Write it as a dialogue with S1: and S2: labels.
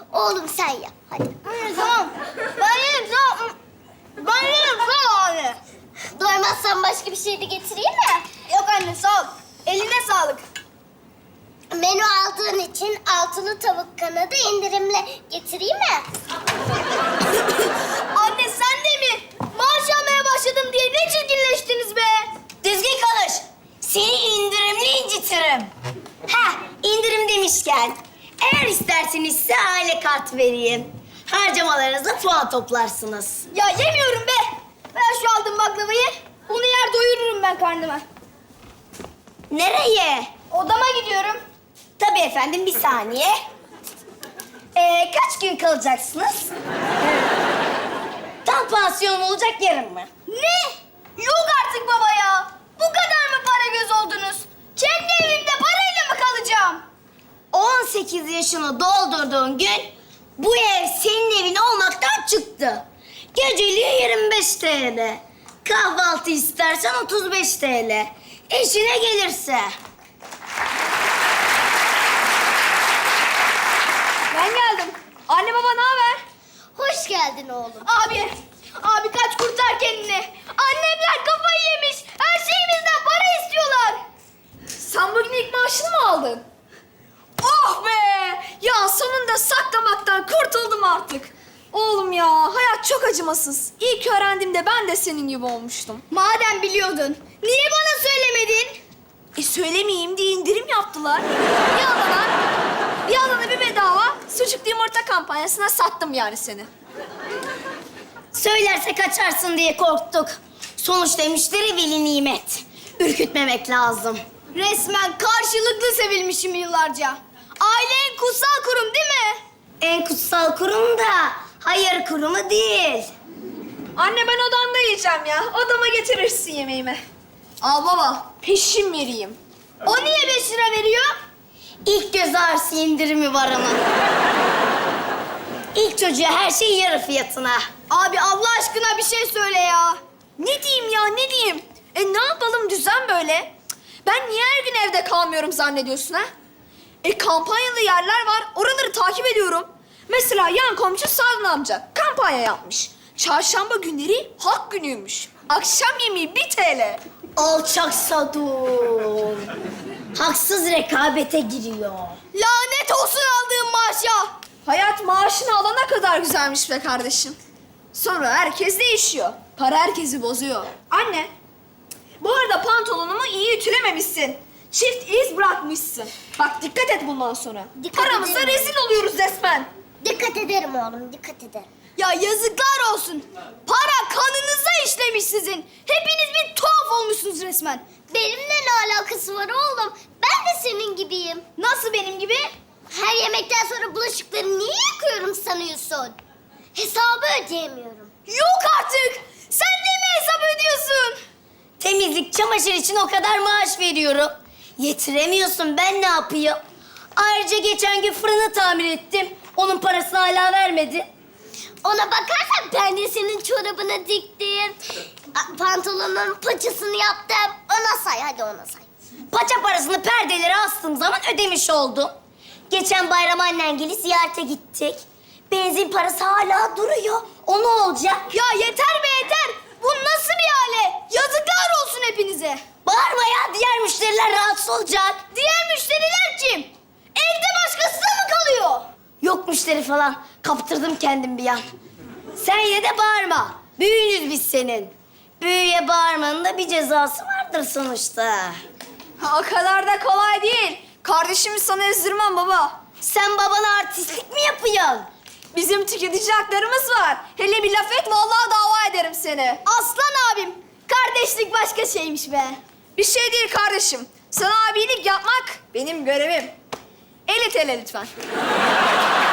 S1: Oğlum sen yap hadi.
S2: Anne tamam. Ben yerim tamam. Ben yerim sağ ol anne.
S1: Doymazsan başka bir şey de getireyim mi?
S2: Yok anne sağ ol. Eline sağlık.
S1: Menü aldığın için altılı tavuk kanadı indirimle getireyim mi?
S2: Anne sen de mi? Maaş almaya başladım diye ne çirkinleştiniz be?
S3: Düzgün konuş. Seni indirimli incitirim. Ha, indirim demişken eğer isterseniz size aile kart vereyim. Harcamalarınızla puan toplarsınız.
S2: Ya yemiyorum be. Ver şu aldığım baklavayı. Bunu yer doyururum ben karnıma.
S3: Nereye?
S2: Odama gidiyorum.
S3: Tabii efendim, bir saniye. Kaç gün kalacaksınız? Tam pansiyon olacak, yarın mı?
S2: Ne? Yok artık baba ya. Bu kadar mı para göz oldunuz? Kendi evimde parayla mı kalacağım?
S3: 18 yaşını doldurduğun gün bu ev senin evin olmaktan çıktı. Geceliği 25 TL. Kahvaltı istersen 35 TL. Eşine gelirse.
S2: Ben geldim. Anne baba ne haber?
S1: Hoş geldin oğlum.
S2: Abi kaç kurtar kendini. Annemler kafayı yemiş. Her şeyimizden para istiyorlar. Sen bugün ilk maaşını mı aldın? Oh be! Ya sonunda saklamaktan kurtuldum artık. Oğlum ya, hayat çok acımasız. İlk öğrendiğimde ben de senin gibi olmuştum. Madem biliyordun, niye bana söylemedin? Söylemeyeyim diye indirim yaptılar. Bir alana bir bedava sucuklu yumurta kampanyasına sattım yani seni.
S3: Söylerse kaçarsın diye korktuk. Sonuçta müşteri veli nimet. Ürkütmemek lazım.
S2: Resmen karşılıklı sevilmişim yıllarca. Aile en kutsal kurum değil mi?
S3: En kutsal kurum da hayır kurumu değil.
S2: Anne ben odamda yiyeceğim ya. Odama getirirsin yemeğimi. Al baba, peşin vereyim. O niye 5 lira veriyor?
S3: İlk göz ağrısı indirimi var ama. İlk çocuğa her şey yarı fiyatına.
S2: Abi Allah aşkına bir şey söyle ya. Ne diyeyim ya, ne diyeyim? Ne yapalım, düzen böyle. Cık, ben niye her gün evde kalmıyorum zannediyorsun ha? Kampanyalı yerler var, oraları takip ediyorum. Mesela yan komşu Sadun amca kampanya yapmış. Çarşamba günleri halk günüymüş. Akşam yemeği 1 TL.
S3: Alçak Sadun. Haksız rekabete giriyor.
S2: Lanet olsun aldığım maaşa. Hayat maaşını alana kadar güzelmiş be kardeşim. Sonra herkes değişiyor. Para herkesi bozuyor. Anne, bu arada pantolonumu iyi ütülememişsin. Çift iz bırakmışsın. Bak dikkat et bundan sonra.
S1: Dikkat
S2: Paramıza
S1: ederim.
S2: rezil oluyoruz resmen.
S1: Dikkat ederim oğlum, dikkat ederim.
S2: Ya yazıklar olsun. Para kanınıza işlemiş sizin. Hepiniz bir tuhaf olmuşsunuz resmen.
S1: Benimle ne alakası var oğlum? Ben de senin gibiyim.
S2: Nasıl benim gibi?
S1: Her yemekten sonra bulaşıkları niye yıkıyorum sanıyorsun? Hesabı ödeyemiyorum.
S2: Yok artık. Sen de mi hesap ödüyorsun?
S3: Temizlik, çamaşır için o kadar maaş veriyorum. Yetiremiyorsun, ben ne yapayım? Ayrıca geçen gün fırını tamir ettim. Onun parasını hala vermedi.
S1: Ona bakarsan ben de senin çorabını diktim. Pantolonun paçasını yaptım. Ona say, hadi ona say.
S3: Paça parasını perdelere astığım zaman ödemiş oldum. Geçen bayram annengili ziyarete gittik. Benzin parası hala duruyor. O ne olacak?
S2: Ya yeter be yeter. Bu nasıl bir hale? Yazıklar olsun hepinize.
S3: Bağırma ya, diğer müşteriler rahatsız olacak.
S2: Diğer müşteriler kim? Evde başkası da mı kalıyor?
S3: Yok müşteri falan. Kaptırdım kendim bir an. Sen yine de bağırma. Büyüğünüz biz senin. Büyüye bağırmanın da bir cezası vardır sonuçta.
S2: O kadar da kolay değil. Kardeşimi sana ezdirmem baba.
S3: Sen babana artistlik mi yapıyorsun?
S2: Bizim tüketici haklarımız var. Hele bir laf et vallahi dava ederim seni. Aslan abim. Kardeşlik başka şeymiş be. Bir şey değil kardeşim. Sana abilik yapmak benim görevim. 50 TL lütfen.